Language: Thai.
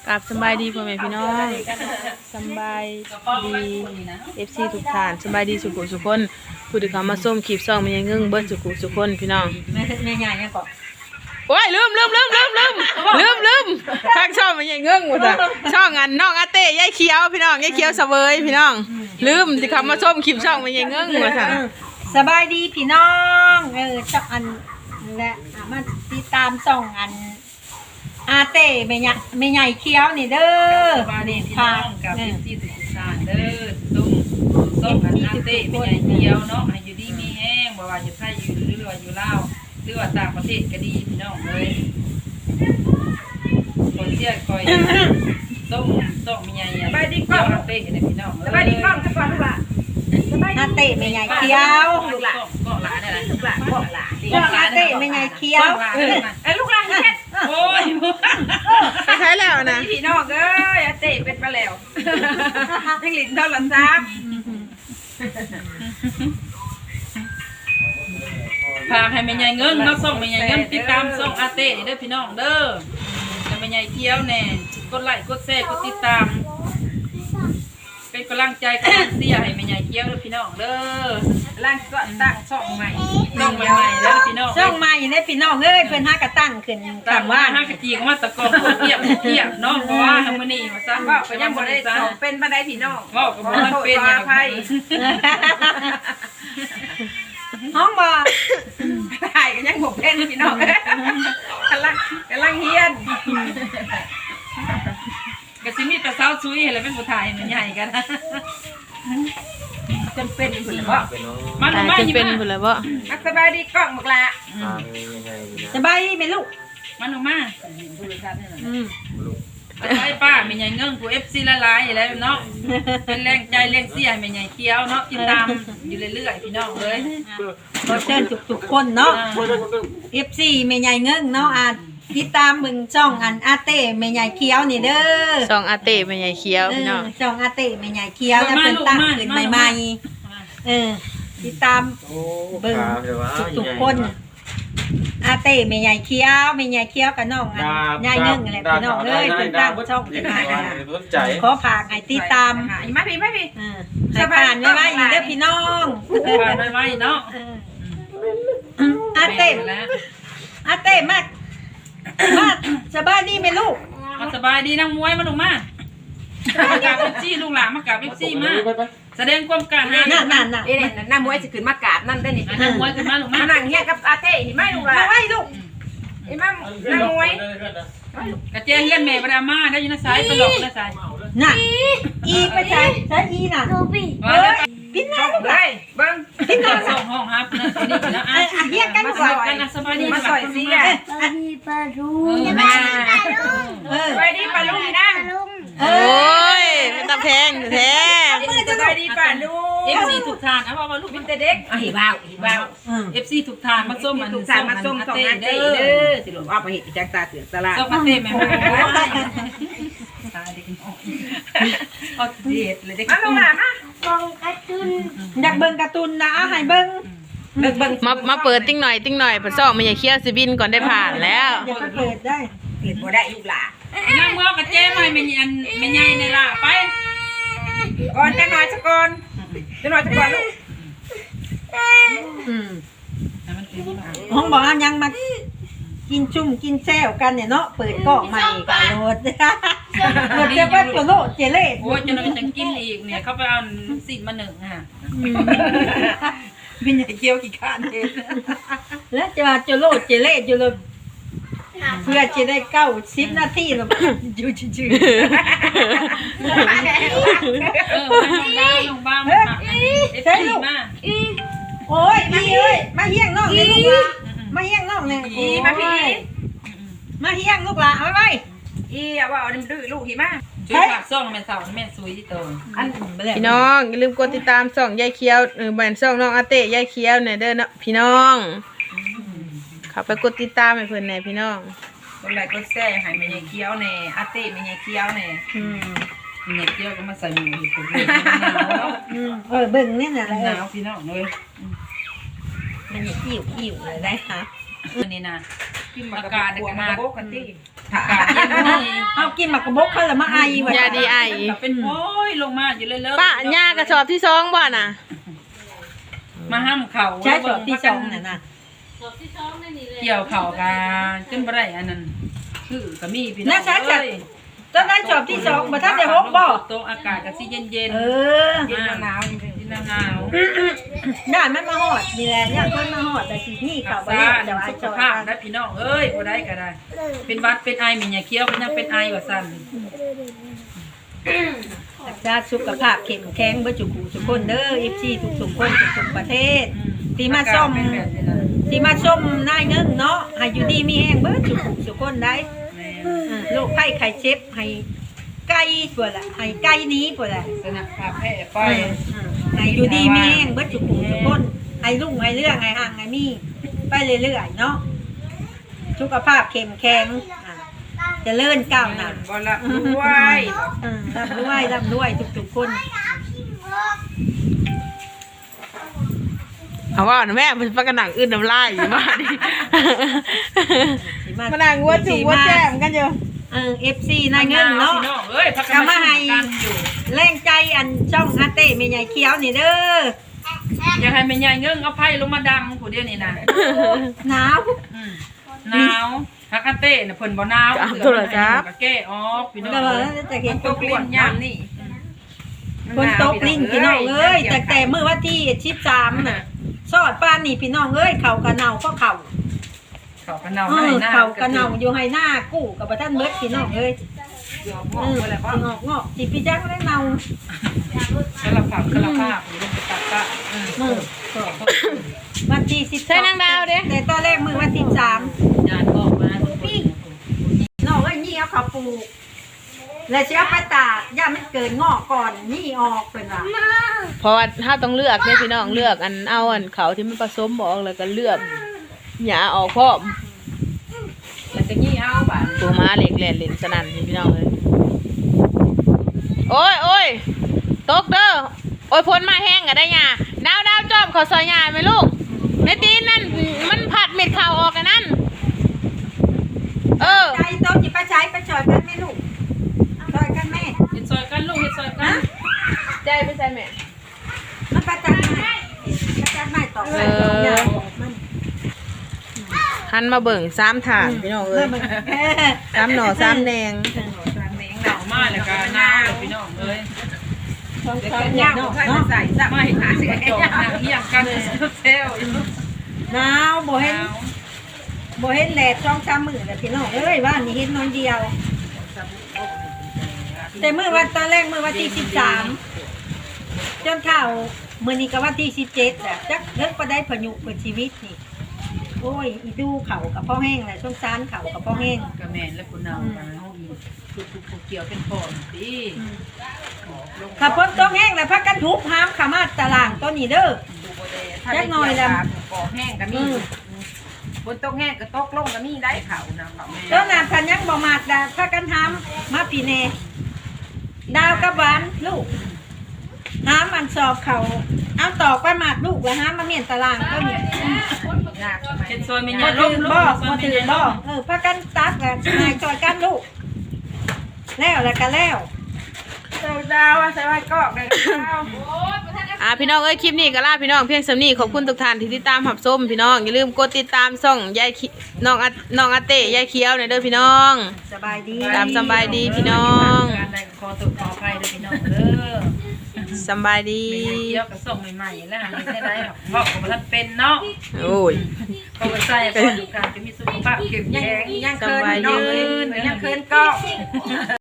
กับสบายดีพ่อแม่พี่น้องสบายดีFC ทุกท่านสบายดีสุขุสุคนผู้ที่เข้ามาส้มคลิปซ่องมันยังงึ่งเบิดสุขุสุคนพี่น้องแม่ใหญ่ยังก่อนโอ้ยลืมทางช่องมันยังงึ่งหมดอ่ะช่องอันน้องอาเต้ยายเขียวพี่น้องยายเขียวเสวยพี่น้องลืมที่เข้ามาส้มคลิปช่องมันยังงึ่งหมดอ่ะสบายดีพี่น้องช่องอันและมาติดตามช่องอันอาเต้แม่ใหญ่เขียวนี่เด้อมาเด่นพี่น้องกับพี่สุสานเด้อส้มอันอาเต้แม่ใหญ่เขียวเนาะอยู่ดีมีแห้งบ่ว่าอยู่ไทยอยู่หรือว่าอยู่ลาวหรือว่าต่างประเทศก็ดีพี่น้องเลยคนเสียคอยส้มแม่ใหญ่ไปดีกล้องอาเต้เนี่ยพี่น้องไปดีกล้องสักวันลูกหล่ะอาเต้แม่ใหญ่เขียวลูกหล่ะก็หลานอะไรลูกหล่ะก็หลานอาเต้แม่ใหญ่เขียวลูกหล่ะโอ้ยไปใช้แล้วนะพี่น้องเอ้ยอาเต้เป็นมาแล้วยังหลินเท่าหลังซ้ำพาให้แม่ใหญ่เงินเนาะส่งแม่ใหญ่เงินติดตามส่งอาเต้เด้อพี่น้องเด้อแม่ใหญ่เที่ยวแน่กดไลค์กดแชร์กดติดตามเป็นกำลังใจกำลังเสียให้แม่ใหญ่เที่ยวเด้อพี่น้องเด้อร่างก็ตั้งช่องใหม่เด้อพี่น้องช่องใหม่เด้อพี่น้องเอ้ยเพิ่นหากระตั้งขึ้นตั้งว่าห้ากะจีก็มาตะกอนเทียบเนาะเพราะว่าทางมื้อนี้ว่าซั่นว่าก็ยังบ่ได้เป็นบ่ได้พี่น้องเว้าก็บ่ทันเป็นหยังไผห้องบ่ถ่ายกันยังบ่เป็นพี่น้องกำลังเฮียนก็สิมีแต่สาวซุยแล้วเป็นผู้ถ่ายมันใหญ่กันจำเป็นพุ่นบ่มันมาอยู่เป็นพุ่นแล้วบ่สบายดีกล้องบักละสบายดีมั้ยลูกมันออกมาไปป้าแม่ใหญ่เงิ้งผู้ FC ละลายแล้วเนาะเป็นแรงใจแรงเสียแม่ใหญ่เขียวเนาะติดตามอยู่เรื่อยๆพี่น้องเอ้ยขอเชิญทุกๆคนเนาะ FC แม่ใหญ่เงิ้งเนาะติดตามมึงช่องอันอาเต้แม่ใหญ่เขียวนี่เด้อช่องอาเต้แม่ใหญ่เขียวพี่น้องช่องอาเต้แม่ใหญ่เขียวแล้วเพิ่นตั้งขึ้นใหม่ๆติดตามเบิ่งทุกๆคนอาเต้แม่ใหญ่เขียวกับน้องอันยายเงิ้งแหละพี่น้องเอ้ยเพิ่นตั้งช่องขึ้นมาขอฝากให้ติดตามมาพี่ให้ผ่านไว้ๆเด้อพี่น้องผ่านไว้เนาะอาเต้มาสบายดีไหมลูกสบายดีนั่งมวยมาลงมากับเอฟซีลูกหลานมากับเอฟซีมาแสดงความกล้าหาญนั่นนั่งมวยจะขึ้นมากราบนั่นได้นี่นั่งมวยขึ้นมาลงมานั่งเฮียกับอาเต้เห็นไหมลูกหลานมาไว้ลูกเห็นไหมนั่งมวยกระเจี๊ยเฮียนแม่ประดามาได้ยินนะสายตลกนะสายน่ะอีไปใช้อีน่ะพี่น้องได้เบิ้งพี่น้องส่งห้องครับนะนี่นะเฮียกันก่อนสบายดีมาสอยสิแกมีปลาลุงสบายดีปลาลุงนะโอ้ยมันตะแพงแท้สบายดีปลาลุงเอฟซีถูกทานเอาว่าลูกเป็นเด็กหิบ้าวเอฟซีถูกทานมาส้มมันถูกทานมาส้มส่งอาเต้เด้อสิลูกเอาไปเห็ดจังตาเสือตลาดส้มอาเต้แม่ตาเด็กเอาเด็ดเลยเด็กมาลงมาอยากเบิ่งการ์ตูนนะให้เบิ่งมาเปิดติ้งหน่อยผสมมันอย่าเคี้ยวสิบินก่อนได้ผ่านแล้วอย่าเปิดได้เปิดบ่ได้ลูกหล่ะนั่งเมื่อกระเจ้ไม่แม่ใหญ่ในล่ะไปก่อนจะหน่อยสักก่อนลูกห้องบอกยังมากินจุ่มกินแซวกันเนี่ยเนาะเปิดกล้องใหม่กันโหลดเดี๋ยวว่าตัวโลดเจเล่โอ้ยจะนอนจะกินอีกเนี่ยเขาไปเอาสินมาหนึ่งค่ะเป็นใหญ่เกี้ยวกี่ข้านเองแล้วจะมาโลดเจเล่อยู่เลยเพื่อจะได้90 นาทีแล้วอยู่ชื่อลงบ้างค่ะใช่ลูกโอ้ยมาเอ้ยมาเฮี้ยงน้องเลยลูกละมาเฮี้ยงน้องเลยมาพี่มาเฮี้ยงลูกละเอาไว้ว่าเอาดื้อลูกหิมะช่วยฝากซ่องแม่สาวแม่ซุยที่โตพี่น้องอย่าลืมกดติดตามช่องยายเขียวแบนช่องน้องอาเต้ยายเขียวเนี่ยเด้อนะพี่น้องเข้าไปกดติดตามให้เพิ่นแน่พี่น้องกดไลค์กดแชร์ให้แม่ยายเขียวแน่อาเต้แม่ยายเขียวแน่แม่ยายเขียวก็มาใส่หมูที่ผมเลยเบิ่งนี่น่ะเลยหนาวพี่น้องเลยมันอิ่วเลยได้ค่ะนี่นะกินหมากอากาศกอากาศบกกันที่อากาศเย็นนี่เอากินหมากกระบกเขาละมาไอว่ะยาดีไอเป็นโอ้ยลงมาอยู่เลยๆป้าย่ากระสอบที่สองบ่น่ะมาห้ามเขาใช้จบที่สองน่ะนะเกี่ยวเขากันจนบ่ได้อันนั้นคือก็มีพี่น้องน่าชัดจัดเอ้ยตอนนั้นจบที่สองบ่ทันได้ฮกบ่โตอากาศก็สิเย็นเออๆเย็นหนาวเย็นหนาวย่านมันมาฮอดนี่แหละย่านคนมาฮอดแต่สินี่รัเขากบ่ษาได้แต่ว่าสุจขอยภาพได้พี่น้องเอ้ยบ่ได้ก็ได้ เป็นหวัดเป็นไอมีหยาเคี้ยวก็ยังเป็นไอว่าซั่นรักษาสุขภาพเข้มแข็งเบ่จุกูทุกคนเด้อ FC ทุกๆคนทุกๆประเทศ ที่มาส้มอากาศเป็นแบบนี้นะที่มาส้มนายเงิงเนาะให้อยู่ดีมีแห้งเบิดจุกูทุกคนได้แม่โรคไข้ไข้เจ็บให้ไก่ปวดละให้ไก่หนี้ปวดละสนับพาแพร่ไปให้อยู่ดีมีแห้งเบิดจุกูทุกคนให้รุ่งให้เรื่องให้ห่างให้มีไปเรื่อยๆเนาะสุขภาพเข้มแข็งเจริญก้าวหน้าบ่ละด้วยร่ำรวยทุกๆคนเอาว่านะแม่มันปากกระหนังอื่นน้ำลายอยู่บ้านนี่สิมานั่งวัดจุวัดแจ่มกันอยู่ FC นายเงินเนาะพี่น้องเอ้ยพักกันมาให้กันอยู่แรงใจอันช่องอาเต้แม่ใหญ่เขียวนี่เด้ออยากให้แม่ใหญ่เงิงเอาไผ่ลงมาดังผู้เดียวนี่นะหนาวหนาวฮักกะเต้น่ะเพิ่นบ่หนาวก็แก้ออกพี่น้องก็เอ้ยจะเห็นตกลิ้นยามนี่คนตกลิ้นพี่น้องเอ้ยแต่มื้อวันที่13น่ะซอดปานนี่พี่น้องเอ้ยเขากระเนาก็เขาเขากระเนาให้หน้าเขากระเนาอยู่ให้หน้ากู้กับบ่ทันเบิดพี่น้องเอ้ยเดี๋ยวงอกไปแล้วก็งอกสิพี่จักได้เนากระผักกระภาพลงไปตัดกะมื้อวันที่12 ใช่นางดาวเด้แต่ตอนแรกมื้อวันที่3 ญาติออกมาพี่น้องเอ้ยนี่เอาเขาปลูกแล้วสิเอาไปตากย่ามันเกิดงอกก่อนนี่ออกเพิ่นว่าเพราะว่าถ้าต้องเลือกเนี่ยพี่น้องเลือกอันเอาอันเขาที่มันผสมบอกแล้วก็เลือกหยาออกพร้อมมันจะงี้เอาบาดตัวม้าเหล็กแหลนเหลนสนั่นนี่พี่น้องเลยโอ้ยโอ้ยตกเด้อโอ้ยพ้นมาแห้งอะได้หยาดาวดาวจอมขอซอยหยาไหมลูกในตีนนั่นมันผัดเม็ดข่าวออกกันนั่นเออใจโตสิไปใช้ไปจอยกันแม่ลูกจอยกันแม่เฮ็ดซอยกันลูกเฮ็ดซอยกันใจไปใส่แม่มันประจันไม้ประจันไม้ต่อไปต่อยาวมันหันมาเบิ่ง3 ถาดพี่น้องเอ้ย3 หน่อ3 แดงหนาวมากแล้วก็หนาวพี่น้องเอ้ยยาวเนาะไม่หาสิจบหนังเฮียงกันเซลหนาวบ่เห็นแดด2-3มื้อแล้วพี่น้องเอ้ยว่านี่เห็นน้อยเดียว แต่มื้อวันตอนแรกมื้อวันที่13จนเข้ามื้อนี้ก็วันที่17แหละจักเลิกบ่ได้พยุเปิดชีวิตนี่โอ้ยอีดูเขากับพ่อแห้งแหละสงสารเขากับพ่อแห้งกระแมนและคุณนำกันห้องอีทุกเกี่ยวเป็นพ่อสิขับพ้นต้องแห้งแล้วพักกันทุบห้ามขามาตารางต้นนี้เด้อแค่น้อยแล้วปอกแห้งก็มีบนตกแห้งก็ตกลงก็มีได้เขานะเขาแม่ต้นนาพันยังบ่มากดาพักกันห้ามมาปีเนดาวกับหวานลูกห้ามมันสอบเขาเอาตอกไปหมากลูกแล้วห้ามมาเมียนตารางต้นนี้เป็นซอยเมียมาล้ถืมอล้บ่มซอยมาเมีถือย บ่ล้มพักกันตักแล้วนายจอยกันลูกแล้วก็แล้วดาวใส่ไว้กอกเลยดาวพี่น้องเอ้ยคลิปนี้ก็ลาพี่น้องเพียงสำนี้ขอบคุณทุกท่านที่ติดตามหับส้มพี่น้องอย่าลืมกดติดตามช่องยายน้องอาเต้ยายเขียวหน่อยเด้อพี่น้องสบายดีตามสบายดีพี่น้องการได้ขอตัวขออภัยด้วยพี่น้องเด้อสบายดีเกี่ยวกับส่งใหม่ๆแล้วไม่ได้ได้หรอกเพราะผมท่านเป็นเนาะโอ้ยเพราะว่าใส่พอดูการจะมีสุขภาพเข้มแข็งยังเคินน้องเลยยังเคินก็